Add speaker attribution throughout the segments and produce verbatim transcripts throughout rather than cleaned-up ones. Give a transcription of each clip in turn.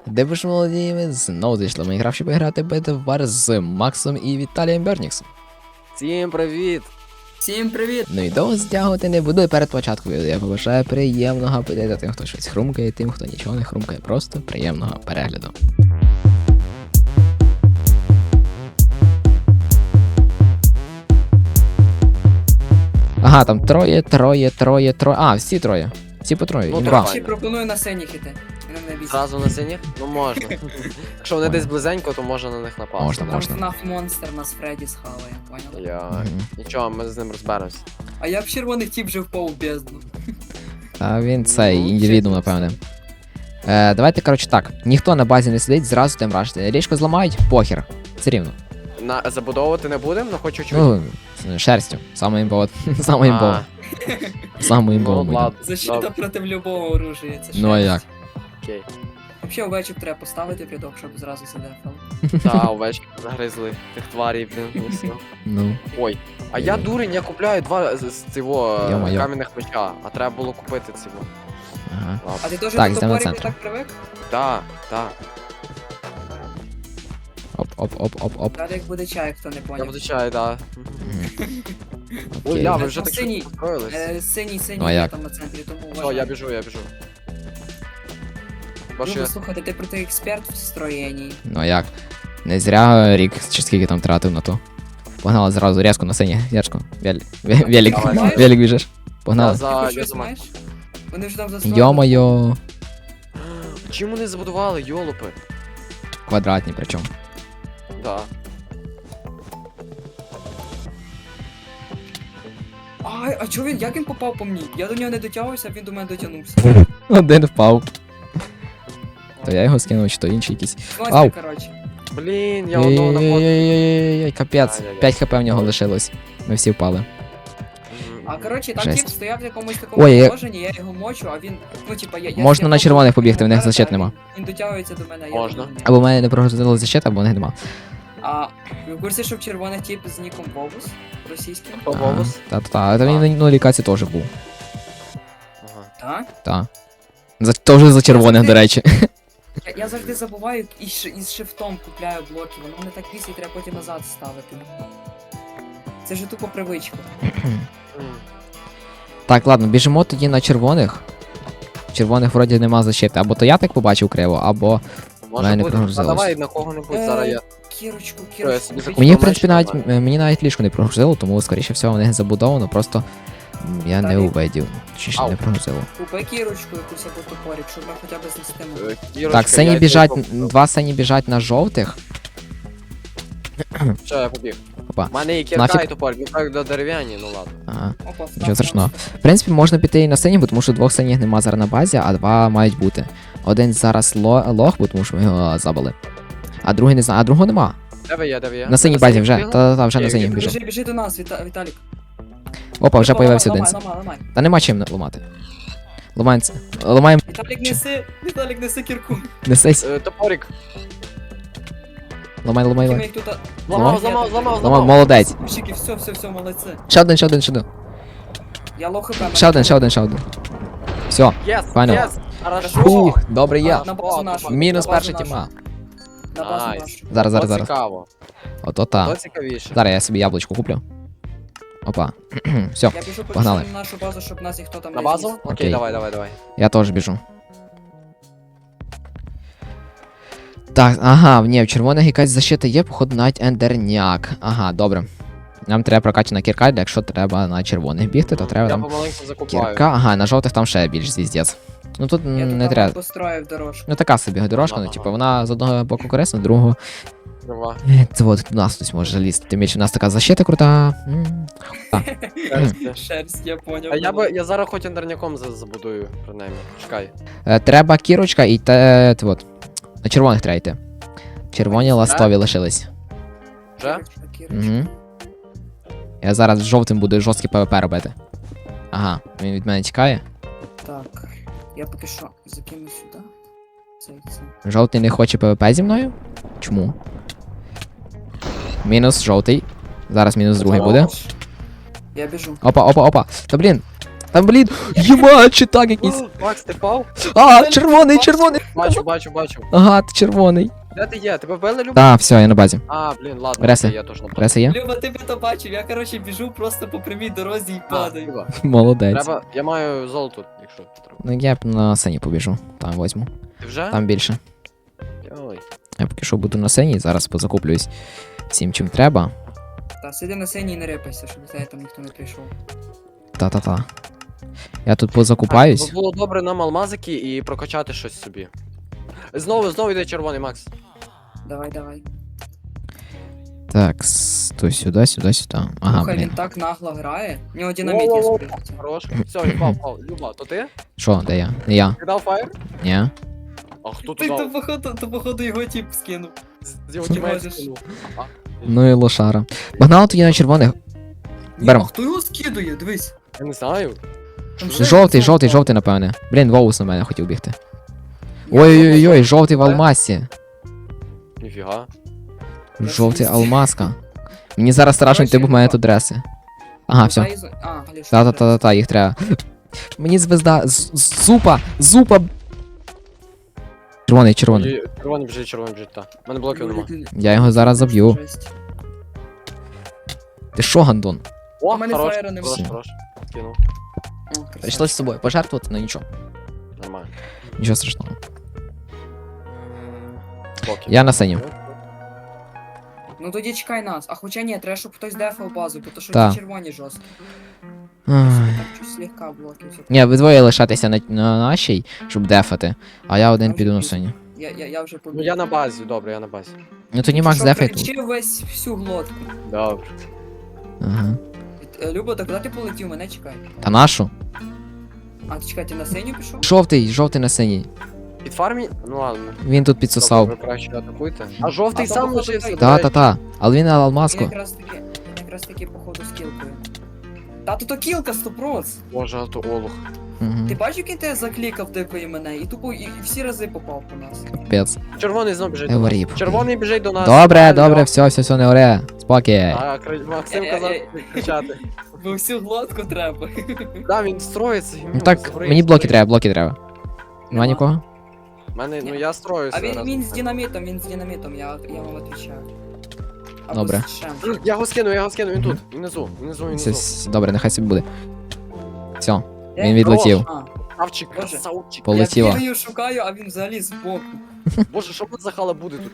Speaker 1: Де ви ж молоді, ми знову зайшли в Майнкрафт, щоб грати бета-вар з Максом і Віталієм Берніксом.
Speaker 2: Всім привіт!
Speaker 3: Всім привіт!
Speaker 1: Ну і довго стягувати не буду, і перед початком відео я побажаю приємного апетиту тим, хто щось хрумкає, тим, хто нічого не хрумкає, просто приємного перегляду. Ага, там троє, троє, троє, троє. А, всі троє. Всі по троє.
Speaker 2: Ну,
Speaker 1: Імба.
Speaker 2: давай.
Speaker 3: Ще пропоную на синіх іти. Мене не бійся.
Speaker 2: Зразу на синіх? Ну можна. Якщо вони десь близенько, то можна на них напасти.
Speaker 1: Можна.
Speaker 3: Там фнаф монстр нас Фредді схаває, понял?
Speaker 2: Я...
Speaker 1: Мгм.
Speaker 2: Нічого, ми з ним розберемося.
Speaker 3: А я в червоних тіп вже впав у бездну.
Speaker 1: А він цей,
Speaker 2: Ну,
Speaker 1: індивідум,
Speaker 3: чесно.
Speaker 1: напевне. Е, давайте, коротше, так. Ніхто на базі не сидить, зразу тим рашити. Річку зламають, похер. Все рівно.
Speaker 2: На... Забудовувати не будемо, але хочу чуть.
Speaker 1: Ну, шерстю. Саме імбово. Саме імбово. Саме
Speaker 2: Ну,
Speaker 1: імбово буде.
Speaker 2: ладно.
Speaker 3: Защита
Speaker 2: Добре.
Speaker 3: проти любого оружия, це
Speaker 1: Ну, а
Speaker 3: шерсть.
Speaker 1: як?
Speaker 2: Окей.
Speaker 3: Взагалі овечок треба поставити в рядок, щоб зразу задефали.
Speaker 2: Та, овечки загризли тих тварів, блін, і все.
Speaker 1: Ну.
Speaker 2: Ой. А я дурень, я купляю два з з цього е,
Speaker 1: Йо-моє.
Speaker 2: кам'яних меча, а треба було купити цього.
Speaker 1: Ага.
Speaker 3: А ти теж
Speaker 1: Так,
Speaker 3: до
Speaker 1: йдемо на
Speaker 3: топорів
Speaker 1: центр.
Speaker 3: так привик?
Speaker 2: Так, так.
Speaker 1: Оп-оп-оп-оп-оп.
Speaker 3: Далі як буде чай, хто не
Speaker 2: Я
Speaker 3: поняв.
Speaker 2: буду чай, так. Ой,
Speaker 1: Окей.
Speaker 2: ля, ви
Speaker 3: Е,
Speaker 2: вже
Speaker 3: там
Speaker 2: так
Speaker 3: синій.
Speaker 2: швидко построїлись.
Speaker 3: Е, Синій, синій
Speaker 1: Ну, а
Speaker 3: є
Speaker 1: як?
Speaker 3: там на центрі, тому
Speaker 2: Все,
Speaker 3: вважай.
Speaker 2: я біжу, я біжу. Бачу,
Speaker 3: Люба,
Speaker 2: я...
Speaker 3: слухайте, ти проти експерт в строєнні.
Speaker 1: Ну а як? Не зря рік чи скільки там тратив на то. Погнали зразу різко на сині. Різко. Велик. Велик.
Speaker 2: Давай.
Speaker 1: Велик біжиш.
Speaker 2: Я
Speaker 1: Погнали.
Speaker 3: Ти
Speaker 2: за...
Speaker 3: хоч
Speaker 2: я
Speaker 3: щось
Speaker 2: за Мак.
Speaker 3: знаєш? Вони вже там застроїли.
Speaker 1: Йо-моє.
Speaker 2: Чим вони забудували, йолопи?
Speaker 1: Квадратні причому.
Speaker 2: Да.
Speaker 3: Ай, а чого він, як він попав по мені? Я до нього не дотягувався, а він до мене дотягнувся.
Speaker 1: Один впав. То я його скинув, чи то інший якийсь. Ау.
Speaker 3: Монстр, коротше.
Speaker 2: Блін, я одного на фото.
Speaker 1: Ой-ой-ой, капець.
Speaker 2: Ай-яй-яй.
Speaker 1: п'ять хп в нього лишилось. Ми всі впали.
Speaker 3: А коротше, там
Speaker 1: Жесть.
Speaker 3: тип стояв в якомусь такому
Speaker 1: Ой, я-
Speaker 3: положенні, я його мочу, а він, ну типа, я... я
Speaker 1: Можна
Speaker 3: скинув
Speaker 1: на червоних
Speaker 3: кнопку,
Speaker 1: побігти, в них
Speaker 3: вдарив,
Speaker 1: защит
Speaker 3: а він-
Speaker 1: нема.
Speaker 3: Він дотягується до мене, я
Speaker 2: Можна.
Speaker 3: до нього не.
Speaker 1: Або в мене не прогрузили защита, або в них нема.
Speaker 3: А ви в курсі, що в червоних тип з ніком Бобус російським?
Speaker 2: Хто Бобус?
Speaker 1: Та-та-та, та він на лікаці теж був.
Speaker 2: Ага.
Speaker 3: Так?
Speaker 1: Та. За, теж за червоних, до речі.
Speaker 3: Я, я завжди забуваю і ш- із шифтом купляю блоки, воно мене так бісить, треба потім назад ставити. Це ж тупо привичка.
Speaker 2: М.
Speaker 1: Так, ладно, біжимо тоді на червоних. Червоних вроді нема защити. Або то я так побачив криво, або.
Speaker 2: Може
Speaker 1: Мене не
Speaker 2: бути. А
Speaker 1: прогрузилось.
Speaker 2: давай на кого-небудь, зараз я...
Speaker 3: Кірочку,
Speaker 2: Що, я
Speaker 3: кірочку.
Speaker 2: собі
Speaker 3: купіть.
Speaker 1: Мені, в
Speaker 2: Побачив,
Speaker 1: принципі, навіть
Speaker 2: нормально.
Speaker 1: м- мені навіть ліжко не прогрузило, тому, скоріше всього, в них забудовано, просто м, я не
Speaker 3: Далі.
Speaker 1: увидів. Чи ще
Speaker 2: Ау.
Speaker 1: не прогрузило.
Speaker 3: Купи кірочку якусь або топорик, щоб ми хоча б знести.
Speaker 2: Е, Кірочка,
Speaker 1: Так, сині
Speaker 2: яйця
Speaker 1: біжать,
Speaker 2: і
Speaker 1: м, два сині біжать на жовтих.
Speaker 2: Що, я побіг.
Speaker 1: Опа.
Speaker 2: У мене і кірка,
Speaker 1: Нафіг.
Speaker 2: і топор, він так до дерев'яні, ну ладно.
Speaker 1: Ага.
Speaker 3: Опа,
Speaker 1: Нічого страшного. В принципі, можна піти і на сині, бо тому що двох синіх нема зараз на базі, а два мають бути. Один зараз ло- лох, бо тому що ми його забили. А другий не знаю, а другого нема.
Speaker 2: Де ви є, де ви є?
Speaker 1: На синій
Speaker 2: Ви
Speaker 1: базі вже.
Speaker 2: бігли?
Speaker 1: Та-та-та, вже на
Speaker 2: Окей,
Speaker 1: синіх
Speaker 2: окей.
Speaker 1: біжу.
Speaker 3: Біжи, біжи до нас, Віта... Віталік.
Speaker 1: Опа, вже
Speaker 3: Ламай,
Speaker 1: появився один.
Speaker 3: ламай, ламай, ламай.
Speaker 1: Та нема чим ламати. Ламаємо. Ламаємо.
Speaker 3: Віталік, неси, Віталік, неси кірку.
Speaker 1: Несись.
Speaker 2: Е, Топорик.
Speaker 1: Ламай, ламай,
Speaker 3: Ми
Speaker 1: ламай.
Speaker 3: їх тут...
Speaker 2: Зламав, зламав, зламав,
Speaker 1: Ламав, молодець.
Speaker 3: Мужики, все, все, все, молодці.
Speaker 1: Ще один, ще один, ще один.
Speaker 3: Я лох хп.
Speaker 1: Ще один, ще один, ще один. Все.
Speaker 2: Єс,
Speaker 1: Файно.
Speaker 2: єс, хорошо.
Speaker 1: Фух, добре є.
Speaker 2: А,
Speaker 3: На базу
Speaker 2: О,
Speaker 3: нашу.
Speaker 1: Мінус
Speaker 3: на базу
Speaker 1: перша
Speaker 3: нашу,
Speaker 1: тіма.
Speaker 3: На базу
Speaker 2: Найс.
Speaker 3: нашу.
Speaker 1: Зараз, зараз,
Speaker 2: То
Speaker 1: зараз.
Speaker 2: цікаво,
Speaker 1: Ото
Speaker 2: то
Speaker 1: та.
Speaker 2: цікавіше.
Speaker 1: Зараз я собі яблучко куплю. Опа. Все,
Speaker 3: Я біжу
Speaker 1: Погнали.
Speaker 3: почти на нашу базу, щоб нас ніхто там
Speaker 2: На
Speaker 3: не
Speaker 2: базу?
Speaker 3: зніс.
Speaker 2: Окей,
Speaker 1: Окей.
Speaker 2: давай, давай, давай.
Speaker 1: я теж біжу. Так, ага, ні, в червоних якась защита є, походу навіть ендерняк. Ага, добре. Нам треба прокачана кірка, якщо треба на червоних бігти, то треба
Speaker 2: Я
Speaker 1: там
Speaker 2: помаленьку закупаю.
Speaker 1: кірка. Ага, на жовтих там ще більш звіздець. Ну тут
Speaker 3: Я
Speaker 1: м,
Speaker 3: тут
Speaker 1: не
Speaker 3: там
Speaker 1: треба.
Speaker 3: построїв дорожку.
Speaker 1: Ну така собі дорожка, ну
Speaker 2: Ага.
Speaker 1: типу вона з одного боку корисна, з другого.
Speaker 2: Трава.
Speaker 1: Е, Це от до нас хтось може залізти. Тим більше в нас така защита крута. М.
Speaker 3: Шерсть, я поняв.
Speaker 2: А я би, я зараз хоч ендерняком за- забудую, принаймні. Чекай.
Speaker 1: Е, Треба кірочка і те. те от. На червоних треба йти. Червоні ластові лишились.
Speaker 2: Вже?
Speaker 3: Кірочка, кірочка.
Speaker 1: Угу. Я зараз з жовтим буду жорсткий ПВП робити. Ага, він від мене тікає.
Speaker 3: Так, я поки що закину сюди. Це, це.
Speaker 1: Жовтий не хоче ПВП зі мною? Чому? Мінус жовтий. Зараз мінус другий буде.
Speaker 3: Я біжу.
Speaker 1: Опа, опа, опа. Та блін. Там, блін, єма, чи так якийсь.
Speaker 2: Макс, ти впав?
Speaker 1: А, червоний, червоний.
Speaker 2: Бачу, бачу, бачу.
Speaker 1: Ага, ти червоний.
Speaker 2: Де ти є? Тебе вбили, Люба?
Speaker 1: Так, все, я на базі.
Speaker 2: А, блін, ладно,
Speaker 1: Реси.
Speaker 2: окей, я теж на базі.
Speaker 1: Реса є?
Speaker 3: Люба, ти би то бачив, я коротше біжу просто по прямій дорозі і
Speaker 2: А,
Speaker 3: падаю.
Speaker 2: Люба.
Speaker 1: Молодець.
Speaker 2: Треба, я маю золото, якщо треба.
Speaker 1: Ну я б на сцені побіжу. Там возьму.
Speaker 2: Ти вже?
Speaker 1: Там більше.
Speaker 2: Ой.
Speaker 1: Я поки що буду на сцені, зараз позакуплююсь всім, чим треба.
Speaker 3: Та сиди на сцені і не рипайся, щоб до тебе там ніхто не прийшов.
Speaker 1: Та-та-та. Я тут позакупаюсь.
Speaker 2: Так, було добре нам алмазики і прокачати щось собі. Знову, знову йде червоний, Макс.
Speaker 3: Давай, давай.
Speaker 1: Так, с- то сюди, сюди, сюди. Ага,
Speaker 3: Слухай,
Speaker 1: блін.
Speaker 3: він так нагло грає. У нього динаміт є
Speaker 2: Воу-воу-воу.
Speaker 3: спрятати.
Speaker 2: Хорош. Все, я впав, впав. Люба, то ти?
Speaker 1: Що, де я? Не я.
Speaker 2: Ти дав фаєр?
Speaker 1: Ні.
Speaker 2: А хто
Speaker 3: Ти
Speaker 2: тут
Speaker 3: то
Speaker 2: дав?
Speaker 3: походу, то походу його тип скинув.
Speaker 2: З його
Speaker 3: Ти
Speaker 2: тімейт
Speaker 3: можеш.
Speaker 2: скинув. А,
Speaker 1: Ну і лошара. Погнали тоді на червоних.
Speaker 3: Ні,
Speaker 1: Берем.
Speaker 3: а хто його скидує? Дивись.
Speaker 2: Я не знаю.
Speaker 3: Там ще
Speaker 1: Жовтий,
Speaker 3: лицо
Speaker 1: жовтий,
Speaker 3: впало.
Speaker 1: жовтий, напевне. Блін, Воус на мене хотів бігти.
Speaker 3: Я
Speaker 1: Ой-ой-ой, жовтий в алмазі.
Speaker 2: Ніфіга.
Speaker 1: Жовтий алмазка. Мені зараз страшно йти, бо в мене тут дреси. Ага, все.
Speaker 3: Дай зо- А, Галюш,
Speaker 1: Та-та-та-та, їх треба. Мені звезда. з- з- Зупа! Зупа! Червоний, червоний.
Speaker 2: Ой, Червоний біжить, червоний біжить, так. У мене блоків нема.
Speaker 1: Я його зараз заб'ю.
Speaker 3: Жесть.
Speaker 1: Ти що, гандон?
Speaker 2: О,
Speaker 3: У мене
Speaker 2: хорош,
Speaker 3: фаєра нема.
Speaker 2: хорош, хорош. Скинув.
Speaker 3: О, красавчик.
Speaker 1: Прийшлось з собою пожертвувати, ну нічого.
Speaker 2: Нормально.
Speaker 1: Нічого страшного.
Speaker 2: Блоки.
Speaker 1: Я на сцені.
Speaker 3: Ну тоді чекай нас. А хоча ні, треба, щоб хтось дефав базу, бо то що
Speaker 1: Та.
Speaker 3: ті червоні жорстко.
Speaker 1: Ай.
Speaker 3: Так чуть слегка блоків.
Speaker 1: Ні, ви двоє лишатися на, на нашій, щоб дефати, а я один піду на сцені.
Speaker 3: Я, я, я вже побіг.
Speaker 2: Ну я на базі, добре, я на базі.
Speaker 1: Ну тоді Макс
Speaker 3: Що,
Speaker 1: дефай тут.
Speaker 3: кричи весь всю глотку.
Speaker 2: Добре.
Speaker 1: Ага.
Speaker 3: Е, Люба, так куди ти полетів? Мене чекай.
Speaker 1: Та нашу?
Speaker 3: А, ти чекай, ти на сцені пішов?
Speaker 1: Жовтий, жовтий на сцені.
Speaker 2: Під фармі? Ну ладно.
Speaker 1: Він тут підсосав.
Speaker 2: Добре, ви краще атакуйте. А жовтий
Speaker 3: А то,
Speaker 2: сам
Speaker 3: походу,
Speaker 2: лишився.
Speaker 3: той-
Speaker 2: до
Speaker 1: Та,
Speaker 2: речі.
Speaker 1: та, та. Але він на
Speaker 3: Він
Speaker 1: алмазку.
Speaker 3: якраз таки, він якраз таки, походу, з кілкою. Та тут то кілка сто процентів.
Speaker 2: Боже, а то олух.
Speaker 1: Угу.
Speaker 3: Ти бачив, як він тебе заклікав дикої мене, і тупо і, і всі рази попав по нас.
Speaker 1: Капець.
Speaker 2: Червоний знов біжить
Speaker 1: Я
Speaker 2: до нас.
Speaker 1: воріб.
Speaker 2: Червоний біжить до нас.
Speaker 1: Добре,
Speaker 2: Алло.
Speaker 1: добре, все, все, все, не оре. Спокій.
Speaker 2: А, Кра- Максим казав кричати.
Speaker 3: Бо всю глотку треба.
Speaker 2: Да, він строїться. і в
Speaker 1: Ну
Speaker 2: нього
Speaker 1: так,
Speaker 2: згорить
Speaker 1: мені блоки
Speaker 2: стрій.
Speaker 1: треба, блоки треба. Нема
Speaker 3: Нема.
Speaker 1: нікого?
Speaker 2: Мене, ну я строюся.
Speaker 3: А він,
Speaker 2: разом
Speaker 3: він
Speaker 2: з
Speaker 3: з
Speaker 2: ним.
Speaker 3: динамітом, він з динамітом, я, я вам відповідаю. Або
Speaker 1: Добре.
Speaker 3: з шем.
Speaker 2: Я його скину, я його скину, він тут. Внизу, внизу,
Speaker 1: Все,
Speaker 2: внизу.
Speaker 1: с- добре, нехай собі буде. Все,
Speaker 3: Де?
Speaker 1: він відлетів.
Speaker 3: А,
Speaker 2: Красавчик,
Speaker 3: Боже.
Speaker 2: красавчик.
Speaker 1: Полетіло.
Speaker 3: я бігаю, шукаю, а він взагалі збоку.
Speaker 2: Боже, що тут за хала буде тут?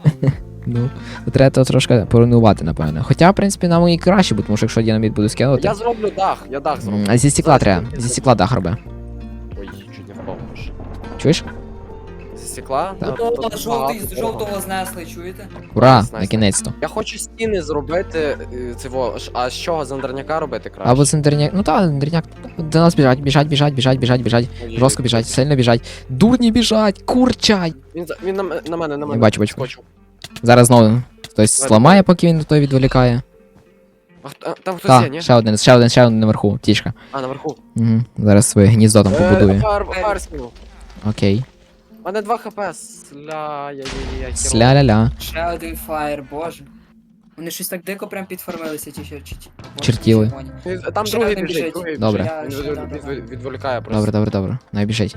Speaker 1: Ну, то треба то трошки поруйнувати, напевно. Хоча, в принципі, нам і краще, бо тому що якщо динаміт буду скинути.
Speaker 2: Я зроблю дах, я дах зроблю.
Speaker 1: М, А зі стекла
Speaker 2: Зараз
Speaker 1: треба,
Speaker 2: я-
Speaker 1: зі стекла дах роби.
Speaker 2: Ой, чуть не впав. Боже.
Speaker 1: Чуєш?
Speaker 2: Зі стекла?
Speaker 1: Так.
Speaker 2: Ну,
Speaker 3: О,
Speaker 2: тут
Speaker 3: жовтий,
Speaker 2: багато
Speaker 3: з
Speaker 2: дорого.
Speaker 3: жовтого знесли, чуєте?
Speaker 1: Ура,
Speaker 2: Найс, найс.
Speaker 1: на кінець-то.
Speaker 2: Я хочу стіни зробити е, цього, ш- а з чого, з андерняка робити краще?
Speaker 1: Або центрняк. Ну так, центрняк. До нас біжать, біжать, біжать, біжать, біжать, біжать.
Speaker 2: Ой,
Speaker 1: Жорстко біжать, сильно біжать. Дурні біжать, курчай.
Speaker 2: Він, за- він на, м- на мене, на мене.
Speaker 1: бачу, бачу.
Speaker 2: Скочив.
Speaker 1: Зараз знову хтось
Speaker 2: Давай,
Speaker 1: зламає, поки він той відволікає.
Speaker 2: А, хто- а, там хтось є,
Speaker 1: Так,
Speaker 2: ні?
Speaker 1: ще один, ще один, ще один наверху, тішка.
Speaker 2: А, наверху.
Speaker 1: Угу. Зараз своє гніздо там
Speaker 2: Е,
Speaker 1: побудує.
Speaker 2: фар, фар скинув.
Speaker 1: Окей.
Speaker 2: У мене два хп. Сля, я, я, я, я,
Speaker 1: Сля-ля-ля.
Speaker 3: Ще один фаєр, боже. Вони щось так дико прям підформилися, ті чер- чи- чи- боже,
Speaker 1: Чертіли.
Speaker 3: ті червоні.
Speaker 2: Він- Там
Speaker 3: Ще
Speaker 2: другий
Speaker 3: один
Speaker 2: біжить,
Speaker 3: біжить.
Speaker 2: другий
Speaker 1: Добре.
Speaker 2: біжить. Він
Speaker 3: Я-
Speaker 2: від-
Speaker 3: да, да,
Speaker 2: від-
Speaker 3: да.
Speaker 2: від- відволікає просто.
Speaker 1: Добре, добре, добре. Не біжить.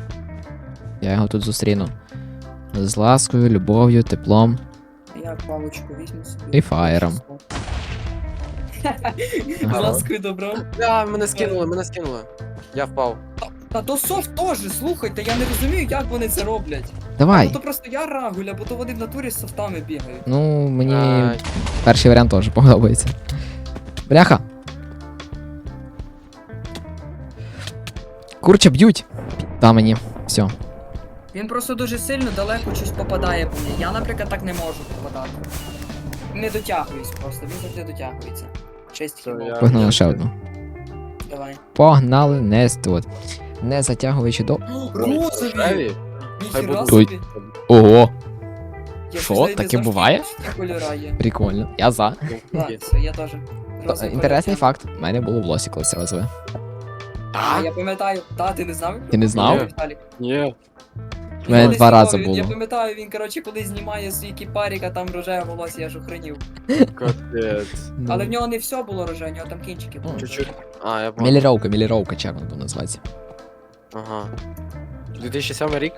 Speaker 1: Я його тут зустріну. З ласкою, любов'ю, теплом.
Speaker 3: Я палочку візьму собі.
Speaker 1: І фаєром.
Speaker 3: З ласкою добром.
Speaker 2: Да, мене скинули, мене скинули. Я впав.
Speaker 3: Та то софт теж, слухайте, я не розумію, як вони це роблять.
Speaker 1: Давай.
Speaker 3: Бо то просто я рагуля, бо то вони в натурі з софтами бігають.
Speaker 1: Ну, мені
Speaker 2: Ай.
Speaker 1: перший варіант теж подобається. Бляха. Курча б'ють. Та мені. Все.
Speaker 3: Він просто дуже сильно далеко щось попадає по мені. Я, наприклад, так не можу попадати. Не дотягуюсь просто, він завжди дотягується. Честь
Speaker 2: Все,
Speaker 3: хіба.
Speaker 2: я-
Speaker 1: Погнали ще одну.
Speaker 3: Давай.
Speaker 1: Погнали, не тут. Не затягуючи до.
Speaker 3: Розові!
Speaker 2: Хай
Speaker 3: Ніхіра
Speaker 2: будуть.
Speaker 3: собі!
Speaker 1: Ого!
Speaker 3: Я
Speaker 1: Що,
Speaker 3: щось навіть не
Speaker 1: таке
Speaker 3: знав, що
Speaker 1: буває?
Speaker 3: такі кольора є.
Speaker 1: Прикольно. Я за.
Speaker 3: Так, все, я теж.
Speaker 1: Та,
Speaker 3: Розовий
Speaker 1: Інтересний
Speaker 3: колір.
Speaker 1: факт. У мене було в лосі колись розове.
Speaker 3: А, я пам'ятаю. Та, ти не знав?
Speaker 1: Ти не знав?
Speaker 3: Віталік.
Speaker 2: Ні.
Speaker 1: У мене
Speaker 3: Колись
Speaker 1: два рази
Speaker 3: знімав, він- Я
Speaker 1: було.
Speaker 3: пам'ятаю, він, коротше, коли знімає свій кіпарік, а там рожеве волосся, я ж охренів.
Speaker 2: Капець.
Speaker 3: Але в нього не все було рожеве, в нього там кінчики були.
Speaker 2: Чуть-чуть. А, я понял.
Speaker 1: Міліровка, міліровка, чи як воно там називається.
Speaker 2: Ага. дві тисячі сьомий рік?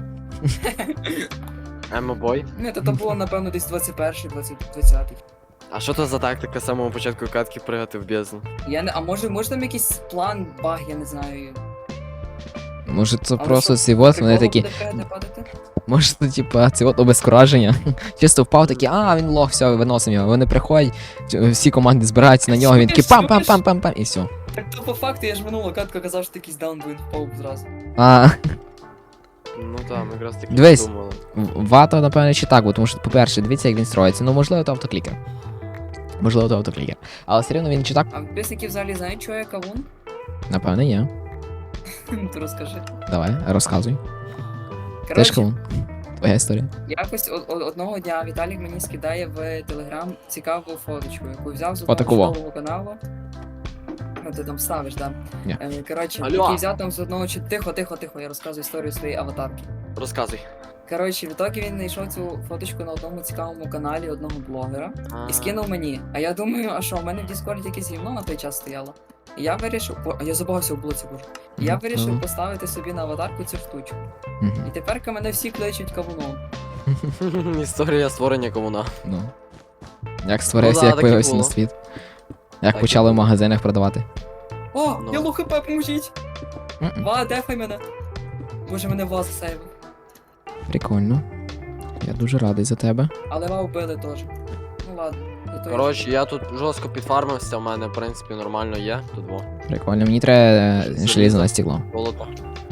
Speaker 2: Емо-бой.
Speaker 3: Ні, то, то було, напевно, десь двадцять перший, двадцятий.
Speaker 2: А що то за тактика з самого початку катки пригати в бездну?
Speaker 3: Я не, а може, може там якийсь план, баг, я не знаю.
Speaker 1: Може це
Speaker 3: Але
Speaker 1: просто
Speaker 3: що,
Speaker 1: ці от вони
Speaker 3: приколом
Speaker 1: такі.
Speaker 3: буде пригати, падати?
Speaker 1: Може це типа це от обезкураження. Чисто впав такий, а він лох, все, виносимо його. Вони приходять, ч- всі команди збираються на нього, він такий пам-пам-пам-пам-пам і все.
Speaker 3: Так то по факту, я ж минулу катку казав, що якийсь даун він впав зразу.
Speaker 1: А
Speaker 2: Ну так, ми якраз таки
Speaker 1: Дивись.
Speaker 2: думали.
Speaker 1: в- вато, напевно, чи так, бо тому що, по-перше, дивіться, як він строїться. Ну, можливо, то автоклікер. Можливо, то автоклікер. Але все рівно він чи так,
Speaker 3: А підписники взагалі знають, що я кавун?
Speaker 1: напевно, є.
Speaker 3: То розкажи.
Speaker 1: Давай, розказуй. Теж
Speaker 3: Коротше,
Speaker 1: кавун. Твоя історія.
Speaker 3: якось о- о- одного дня Віталік мені скидає в Телеграм цікаву фоточку, яку взяв з
Speaker 1: Фотоку
Speaker 3: одного
Speaker 1: во.
Speaker 3: чудового каналу. Ну, ти там ставиш, да?
Speaker 1: Ні.
Speaker 3: Е, Коротше,
Speaker 2: Алло.
Speaker 3: який взяв там з одного чи тихо, тихо, тихо, я розказую історію своєї аватарки.
Speaker 2: Розказуй.
Speaker 3: Коротше, в ітогі він знайшов цю фоточку на одному цікавому каналі одного блогера і скинув мені. А я думаю, а що, в мене в Діскорді якесь гівно на той час стояло. І я вирішив, о, а я забагався в блоці, боже. І я
Speaker 1: Мгм,
Speaker 3: вирішив
Speaker 1: ну.
Speaker 3: поставити собі на аватарку цю штучку.
Speaker 1: Мгм.
Speaker 3: І тепер мене всі кличуть кавуном.
Speaker 2: Історія створення комуна.
Speaker 1: Ну. Як створився,
Speaker 2: Ну да,
Speaker 1: як
Speaker 2: так і
Speaker 1: появився на
Speaker 2: було.
Speaker 1: світ. Як
Speaker 2: Так і
Speaker 1: почали в
Speaker 2: було.
Speaker 1: магазинах продавати.
Speaker 3: О,
Speaker 2: Ну.
Speaker 3: я лохп, поможіть!
Speaker 1: М-м.
Speaker 3: Ва, дефай мене. Боже, мене Ва засейвив.
Speaker 1: Прикольно. Я дуже радий за тебе.
Speaker 3: Але Ва вбили теж. Ну ладно. зато я-
Speaker 2: Коротше, я тут жорстко підфармився, в мене, в принципі, нормально є. Тут во.
Speaker 1: Прикольно. Мені треба е,
Speaker 2: Залізо.
Speaker 1: желізо на стекло.
Speaker 2: Золото.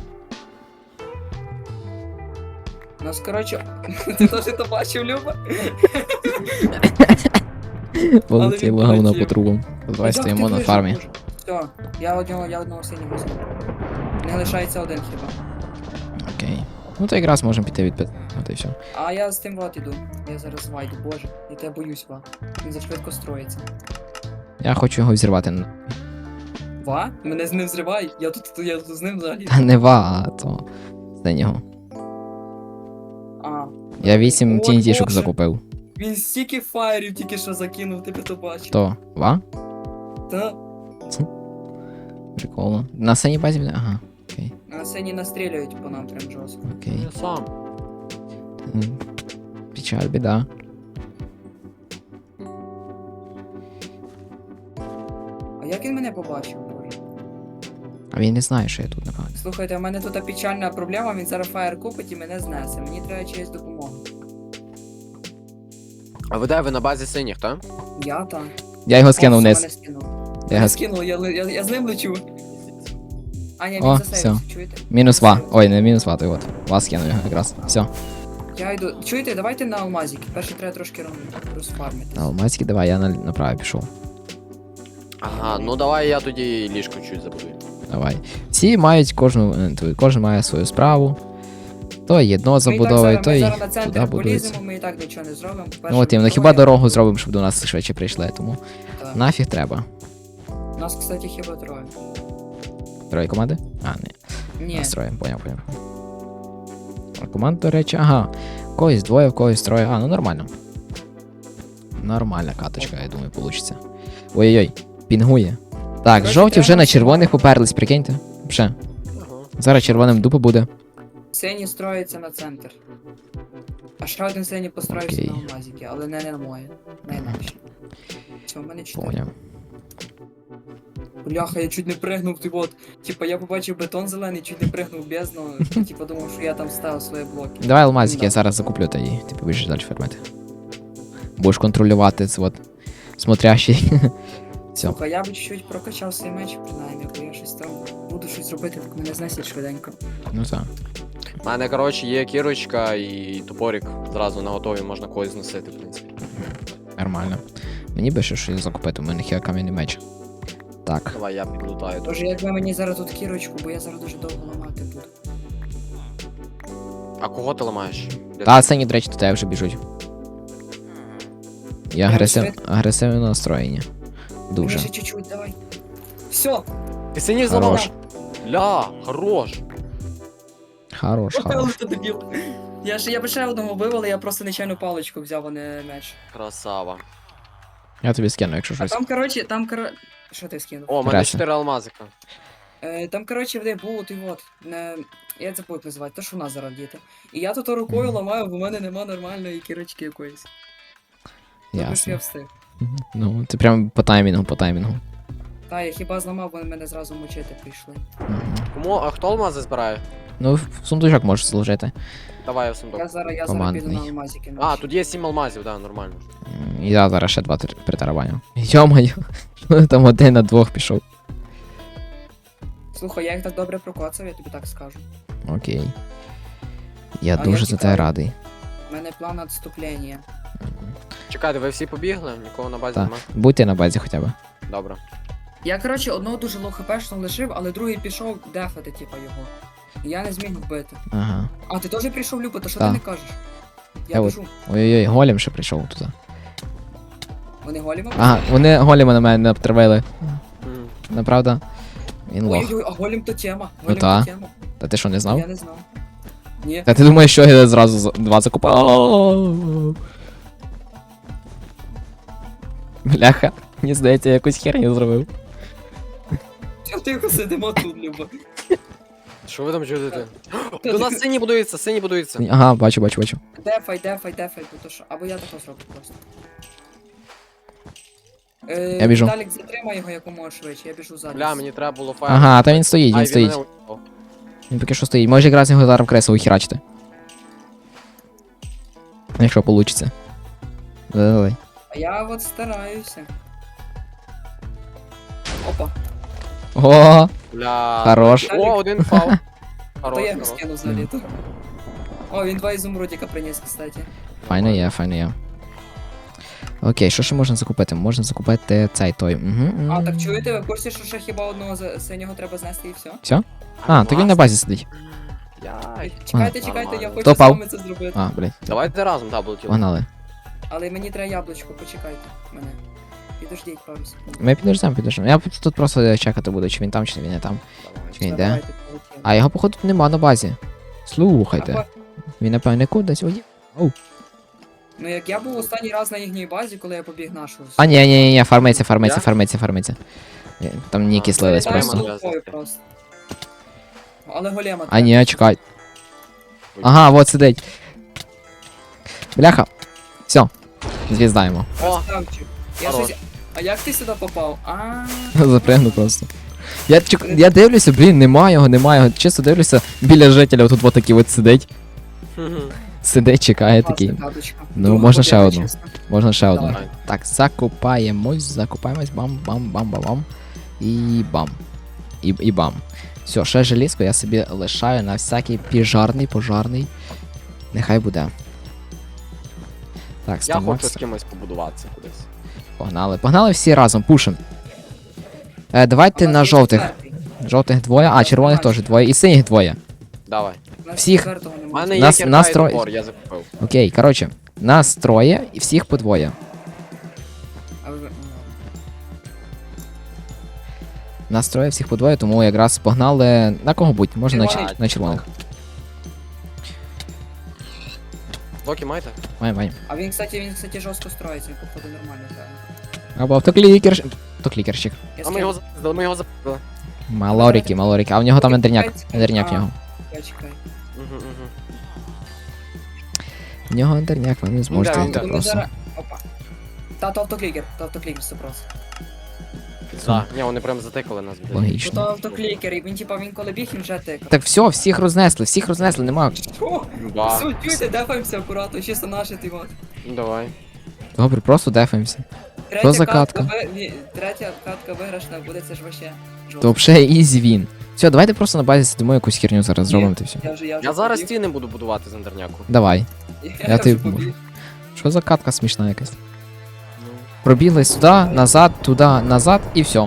Speaker 3: У нас, коротше, ти теж то бачив, Люба?
Speaker 1: Полетіло
Speaker 3: він
Speaker 1: говно
Speaker 3: полетів.
Speaker 1: по трубам. Давай
Speaker 3: А як
Speaker 1: стоїмо
Speaker 3: ти
Speaker 1: на
Speaker 3: вижив,
Speaker 1: фармі.
Speaker 3: Боже? Все, я одного, я одного синього зробив. Не лишається один хіба.
Speaker 1: Окей. Ну то якраз можемо піти від п'ят. От і все.
Speaker 3: А я з тим вот іду. Я зараз вайду, боже. Я тебе боюсь, Ва. Він зашвидко строїться.
Speaker 1: Я хочу його взірвати.
Speaker 3: Ва? Мене з ним зривай. Я тут, я тут з ним взагалі.
Speaker 1: Та не ва, а то. Синього.
Speaker 3: А.
Speaker 1: Я вісім
Speaker 3: Ой,
Speaker 1: тінтішок
Speaker 3: Боже.
Speaker 1: закупив.
Speaker 3: Він стільки фаєрів тільки що закинув, ти б то бачив.
Speaker 1: То, ва?
Speaker 3: Та.
Speaker 1: Прикольно. На синій базі буде? Ага. Окей.
Speaker 3: На сцені настрілюють по нам прям жорстко.
Speaker 1: Окей.
Speaker 2: Я сам.
Speaker 1: М. Печаль, біда.
Speaker 3: А як він мене побачив, боже?
Speaker 1: А він не знає, що я тут, напевно.
Speaker 3: Слухайте, у мене тут печальна проблема, він зараз фаєр купить і мене знесе. Мені треба чиїсь допомога.
Speaker 2: А ви де, ви на базі синіх, так?
Speaker 3: Я там.
Speaker 1: Я його скинув
Speaker 3: О, все,
Speaker 1: вниз.
Speaker 3: мене скинув.
Speaker 1: Я
Speaker 3: Я
Speaker 1: його... ск-
Speaker 3: скинув, я, я, я з ним лечу. А, ні,
Speaker 1: О,
Speaker 3: він засейвився, чуєте?
Speaker 1: Мінус ва. Ой, не мінус ва, той от. Ва скинув його якраз. Все.
Speaker 3: Я йду. Чуєте, давайте на алмазики. Перше треба трошки ром- розфармити.
Speaker 1: На алмазки давай, я на, направо пішов.
Speaker 2: Ага, ну давай я тоді ліжко чуть забудую.
Speaker 1: Давай. Всі мають кожну, е, ту- кожен має свою справу. То єдно
Speaker 3: Ми і
Speaker 1: забудовує,
Speaker 3: так
Speaker 1: то
Speaker 3: зараз,
Speaker 1: й
Speaker 3: ми зараз на
Speaker 1: туди
Speaker 3: центр
Speaker 1: будується.
Speaker 3: поліземо, ми і так нічого не зробимо.
Speaker 1: Ну от іменно, хіба дорогу зробимо, щоб до нас швидше прийшли, тому
Speaker 3: Так.
Speaker 1: нафіг треба.
Speaker 3: Нас, кстати, хіба троє.
Speaker 1: Троє команди? А, ні.
Speaker 3: Ні.
Speaker 1: Нас троє, поняв, поняв. А команд, до речі, ага. В когось двоє, в когось троє. А, ну нормально. Нормальна каточка, я думаю, получиться. Ой-ой-ой, пінгує. Так,
Speaker 3: Короче,
Speaker 1: жовті вже
Speaker 3: треба
Speaker 1: на червоних
Speaker 3: максимально.
Speaker 1: поперлись, прикиньте. Вже.
Speaker 2: Ага.
Speaker 1: Зараз червоним дупа буде.
Speaker 3: Сині строїться на центр. А ще один синій построївся
Speaker 1: Окей.
Speaker 3: на алмазики, але не на моє. Не інакше. Все, в мене чотири.
Speaker 1: Поняв.
Speaker 3: Бляха, я чуть не пригнув, ти от. Типа я побачив бетон зелений, чуть не пригнув бездну. Типа думав, що я там ставив свої блоки.
Speaker 1: Давай алмазики,
Speaker 3: Да.
Speaker 1: я зараз закуплю та і ти побіжиш далі фермити. Будеш контролювати це от смотрящий. Все.
Speaker 3: Слухай, я б чуть-чуть прокачав свій меч, принаймні, бо я щось там буду щось робити, поки мене знесять швиденько.
Speaker 1: Ну так.
Speaker 2: У мене, коротше, є кірочка і топорик. Зразу на готові можна когось зносити, в принципі.
Speaker 1: Нормально. Мені би ще щось закупити, у мене є кам'яний меч. Так.
Speaker 2: Давай я підлутаю.
Speaker 3: Тож якби мені зараз тут кірочку, бо я зараз дуже довго ламати буду.
Speaker 2: А кого ти ламаєш? Де
Speaker 1: Та
Speaker 2: ти?
Speaker 1: сині, до речі, до тебе вже біжуть. Я
Speaker 3: Прям
Speaker 1: агресив...
Speaker 3: швидко?
Speaker 1: агресивно настроєні. Дуже.
Speaker 3: Мені ще чуть-чуть, давай. Все,
Speaker 2: Ти синіх
Speaker 1: Хорош.
Speaker 2: зламав? Ля, хорош.
Speaker 1: Хорош, хорош.
Speaker 3: Ти дебіл. Я ж я би ще одного вбив, але я просто нечайну паличку взяв, а не меч.
Speaker 2: Красава.
Speaker 1: Я тобі скину, якщо
Speaker 3: А
Speaker 1: щось.
Speaker 3: там, коротше, там, коротше... Що ти скинув?
Speaker 2: О, у мене
Speaker 1: Красиво.
Speaker 2: чотири алмазика.
Speaker 3: Е, там, коротше, де був, ти от, не... я забув як називати, то що у нас зараз діти. І я тут рукою ламаю, бо в мене нема нормальної кірочки якоїсь. Тобто ж я
Speaker 1: Ясно.
Speaker 3: встиг.
Speaker 1: Мгм. Ну, ти прям по таймінгу, по таймінгу.
Speaker 3: Та, я хіба зламав, бо мене зразу мучити прийшли.
Speaker 1: Мгм.
Speaker 2: Кому, а хто алмази збирає?
Speaker 1: Ну, в сундучок можеш служити.
Speaker 2: Давай я в сундук.
Speaker 3: Я зараз, я зараз
Speaker 1: Командний.
Speaker 3: піду на алмазики.
Speaker 2: А, тут є сім алмазів, да, нормально.
Speaker 1: М, І я зараз ще два тр- притарабаню. Йо-моє, там один на двох пішов.
Speaker 3: Слухай, я їх так добре прокоцав, я тобі так скажу.
Speaker 1: Окей. Я
Speaker 3: А
Speaker 1: дуже
Speaker 3: я
Speaker 1: за тебе
Speaker 3: тікаю.
Speaker 1: радий.
Speaker 3: У мене план відступлення.
Speaker 2: Чекайте, ви всі побігли? Нікого на базі
Speaker 1: Так.
Speaker 2: нема?
Speaker 1: Будьте на базі хоча б.
Speaker 2: Добре.
Speaker 3: Я, коротше, одного дуже лоу хпшного лишив, але другий пішов дефати, типа, його. І я не зміг вбити.
Speaker 1: Ага.
Speaker 3: А, ти теж прийшов, Люба, то що
Speaker 1: Так.
Speaker 3: ти не кажеш? Я
Speaker 1: Я от-
Speaker 3: біжу.
Speaker 1: Ой-ой-ой, голем ще прийшов туди.
Speaker 3: Вони голі вам?
Speaker 1: Ага, вони голема на мене не обтравили.
Speaker 2: Мгм.
Speaker 1: Направда. Він лох.
Speaker 3: Ой-ой, а голім то тема. Голім
Speaker 1: та.
Speaker 3: то тема.
Speaker 1: Та ти що, не знав?
Speaker 3: Я не знав. Ні.
Speaker 1: Та ти думаєш, що я зразу за- два закупав? Бляха, мені здається, я якусь херню зробив.
Speaker 3: Тихо сидимо тут, Люба.
Speaker 2: Що ви там чудите? До нас сині будуються, сині будуються.
Speaker 1: Ага, бачу, бачу, бачу.
Speaker 3: Дефай, дефай, дефай, бо то що. Або я тако зроблю просто. Е,
Speaker 1: Я біжу.
Speaker 3: Віталік, затримай його якомога швидше, я біжу ззаді.
Speaker 2: Бля, мені треба було файл.
Speaker 1: Ага, та він стоїть,
Speaker 2: Ай,
Speaker 1: він стоїть.
Speaker 2: мене уїбав.
Speaker 1: Він поки що стоїть. Може якраз його зараз в кресло ухерачити. Якщо вийде. Давай.
Speaker 3: А я от стараюся. Опа,
Speaker 1: О,
Speaker 2: Бля.
Speaker 1: Хорош.
Speaker 2: О, один фал.
Speaker 3: то
Speaker 2: Хорош,
Speaker 3: я його
Speaker 2: хорош.
Speaker 3: скину за літо. О, він два ізумрудіка приніс, кстати.
Speaker 1: файно є, файно є. Окей, що ще можна закупити? Можна закупити цей той. Угу.
Speaker 3: А, так чуєте, ви в курсі, що ще хіба одного з- синього треба знести і все?
Speaker 1: Все? А, так він на базі сидить.
Speaker 2: Яй.
Speaker 3: Чекайте, чекайте, я
Speaker 2: нормально.
Speaker 3: хочу
Speaker 1: Хто
Speaker 3: з
Speaker 1: впав?
Speaker 3: вами це зробити.
Speaker 1: А, блядь,
Speaker 2: Давайте разом даблтіл.
Speaker 1: погнали.
Speaker 3: Але мені треба яблучко, почекайте мене. Підождіть пару секунд.
Speaker 1: Ми підождемо, підождемо. Я тут просто чекати буду, чи він там, чи він не там.
Speaker 2: Давай.
Speaker 1: Чи він
Speaker 3: Все,
Speaker 1: йде.
Speaker 3: давайте, полетіли.
Speaker 1: А його, походу, нема на базі. Слухайте.
Speaker 3: А,
Speaker 1: Він, напевне, кудись уїхав.
Speaker 3: Ну як я був останній раз на їхній базі, коли я побіг нашу.
Speaker 1: А, ні, ні, ні, ні, фармиться, фармиться,
Speaker 2: Я?
Speaker 1: фармиться, фармиться. Е, Там ніки
Speaker 2: А,
Speaker 1: слились
Speaker 2: Вилітаємо
Speaker 1: просто.
Speaker 2: на-
Speaker 3: Просто. просто. Але голема.
Speaker 1: А ні, чекай.
Speaker 2: Ой.
Speaker 1: Ага, вот сидить. Бляха. Все. Звіздаємо.
Speaker 2: О,
Speaker 3: Красавчик. Я
Speaker 2: Хорош.
Speaker 3: щось... А як ти сюди попав? А,
Speaker 1: Запригну просто. Я, чек... я дивлюся, блін, нема його, нема його. Чисто дивлюся, біля жителя тут вот такий от сидить. Сидить, чекає такий.
Speaker 3: класна карточка.
Speaker 1: Ну,
Speaker 3: Друга
Speaker 1: можна ще
Speaker 3: побіда,
Speaker 1: одну.
Speaker 3: чесно.
Speaker 1: Можна ще одну.
Speaker 3: Давай.
Speaker 1: Так, закупаємось, закупаємось, бам, бам, бам, бам, бам. І бам. І, і бам. Все, ще желізко я собі лишаю на всякий піжарний, пожарний. Нехай буде. Так,
Speaker 2: я хочу з
Speaker 1: стомакс.
Speaker 2: кимось побудуватися кудись.
Speaker 1: Погнали. Погнали всі разом, пушим. Е,
Speaker 3: А
Speaker 1: давайте
Speaker 3: у нас
Speaker 1: на
Speaker 3: є
Speaker 1: жовтих.
Speaker 3: четвертий.
Speaker 1: Жовтих двоє, а червоних теж двоє, і синіх двоє.
Speaker 2: Давай.
Speaker 3: У нас
Speaker 1: Всіх.
Speaker 3: четвертого
Speaker 2: У
Speaker 3: немає.
Speaker 2: мене є
Speaker 1: Нас-
Speaker 2: кірка
Speaker 1: нас
Speaker 2: і
Speaker 1: троє.
Speaker 2: топор, я закупив.
Speaker 1: Окей, коротше, нас троє і всіх по двоє.
Speaker 3: А ви- ну,
Speaker 1: Нас троє, всіх по двоє, тому якраз погнали на кого будь, можна на,
Speaker 3: Червоний.
Speaker 1: чер- на червоних.
Speaker 2: Доки маєте?
Speaker 1: Май, май.
Speaker 3: А він, кстати, він, кстати, жорстко строїться, він походу нормально грає.
Speaker 1: Або автоклікер. Автоклікерщик.
Speaker 3: Я
Speaker 2: А ми його запиздили, ми його запиздили.
Speaker 1: Малоріки, малоріки. А в нього там
Speaker 3: Окей,
Speaker 1: ендерняк.
Speaker 3: чекайте.
Speaker 1: Ендерняк в
Speaker 3: А.
Speaker 1: нього.
Speaker 3: Чекай, чекай.
Speaker 2: Угу, угу.
Speaker 1: В нього ендерняк, ви не зможете
Speaker 2: да,
Speaker 1: так
Speaker 2: ну,
Speaker 3: Ми
Speaker 1: просто.
Speaker 3: зараз- Опа. Та, то автоклікер, то автоклікер сто процентів.
Speaker 2: Так, ні, вони прям затикали нас. блядь.
Speaker 1: Логічно.
Speaker 3: То автоклікер, і він типа він коли біг, він вже тикав.
Speaker 1: Так все, всіх рознесли, всіх рознесли, нема.
Speaker 3: Що?
Speaker 2: Ба.
Speaker 3: Суть, чуйте, дефаємося акуратно, чисто наші ти от.
Speaker 2: Ну, давай.
Speaker 1: Добре, просто дефаємося.
Speaker 3: Третя
Speaker 1: за катка?
Speaker 3: ви- ві- Третя катка виграшна буде, це ж вообще
Speaker 1: То
Speaker 3: жорстко.
Speaker 1: взагалі ізі він. Все, давайте просто на базі сидимо якусь херню зараз зробимо та все.
Speaker 3: Я вже, я вже
Speaker 2: Я зараз
Speaker 3: побіг.
Speaker 2: стіни буду будувати з ендерняку.
Speaker 1: Давай.
Speaker 3: Я,
Speaker 1: Я
Speaker 3: вже
Speaker 1: тобі
Speaker 3: побіг.
Speaker 1: поможу. Що за катка смішна якась?
Speaker 2: Ну.
Speaker 1: Пробігли сюди, назад, туди, назад і все.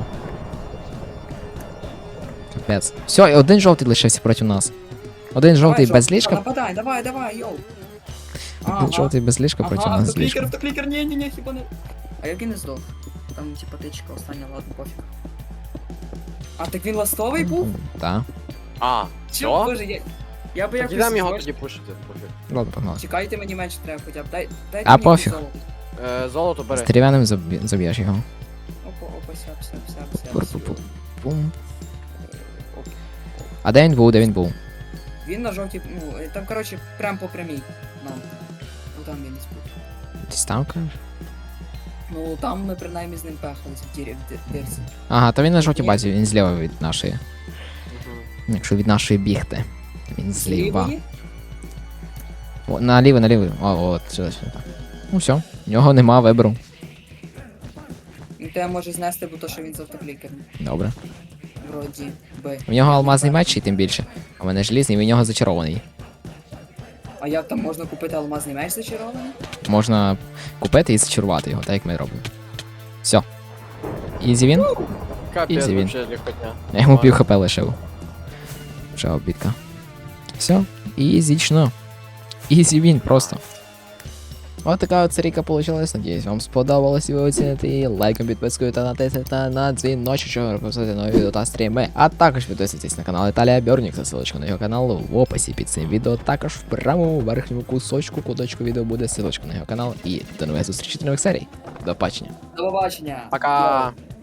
Speaker 1: Капець. Все, і один жовтий лишився проти нас. Один жовтий
Speaker 3: Давай,
Speaker 1: без ліжка.
Speaker 3: Нападай, давай, давай, йоу.
Speaker 1: Один жовтий без ліжка проти
Speaker 3: Ага,
Speaker 1: нас з
Speaker 3: автоклікер,
Speaker 1: ліжком.
Speaker 3: автоклікер, ні, ні, ні, хіба не. А як він не здох? Там, типа, тичка остання, ладно, пофіг. А так він ластовий був?
Speaker 1: Так.
Speaker 2: А,
Speaker 3: Чого,
Speaker 2: що?
Speaker 3: боже, я... Я би
Speaker 2: Так
Speaker 3: якось...
Speaker 2: ідемо його
Speaker 3: зрош-
Speaker 2: тоді пушити, пофіг.
Speaker 1: Ладно, погнали.
Speaker 3: Чекайте, мені менше треба хоча б. Дай, дайте
Speaker 1: А,
Speaker 3: мені
Speaker 1: пофіг.
Speaker 3: золото.
Speaker 2: Е, золото
Speaker 1: З
Speaker 2: бери.
Speaker 1: дерев'яним заб'є- заб'єш його.
Speaker 3: Опа, опа, сяп, сяп, сяп, сяп.
Speaker 1: Пу-пу-пу. Бум.
Speaker 3: Оп.
Speaker 1: А де він був, де він був?
Speaker 3: Він на жовтій, ну, е, там, коротше, прям по прямій нам. Ну там він не спуть.
Speaker 1: Десь там, кажеш?
Speaker 3: Ну там ми принаймні з ним пехались в дірі, в ди- дирці.
Speaker 1: Ага, то він на жовтій базі, він зліва від нашої.
Speaker 2: Мгм.
Speaker 1: Якщо від нашої бігти. Він зліва.
Speaker 3: Лівої?
Speaker 1: О, наліво, наліво. О, от, сюди, сюди. Ну все, в нього нема вибору.
Speaker 3: Він тебе може знести, бо то, що він з автоклікером.
Speaker 1: Добре.
Speaker 3: Вроді би.
Speaker 1: У нього алмазний меч і тим більше. А в мене желізний, він в нього зачарований.
Speaker 3: А як там можна купити алмазний меч зачарований?
Speaker 1: Можна купити і зачарувати його, так як ми робимо. Все. Ізі він.
Speaker 2: Капець,
Speaker 1: Ізі він.
Speaker 2: вообще легкотня.
Speaker 1: Я йому пів хп лишив. Ще обідка. Все, ізічно. Ізі він просто. Ось така от серійка получилась. Надіюсь, вам сподобалось і ви оціните її. Лайком, підпискою та натиснете на дзвіночок, щоб пропустити нові відео та стріми. А також підписуйтесь на канал Віталія Бьорнікса, ссылочка на його канал в описі під цим відео. Також в правому верхньому кусочку, куточку відео буде ссылочка на його канал. І до нових зустрічей, до нових серій. До побачення.
Speaker 3: До побачення!
Speaker 2: Пока.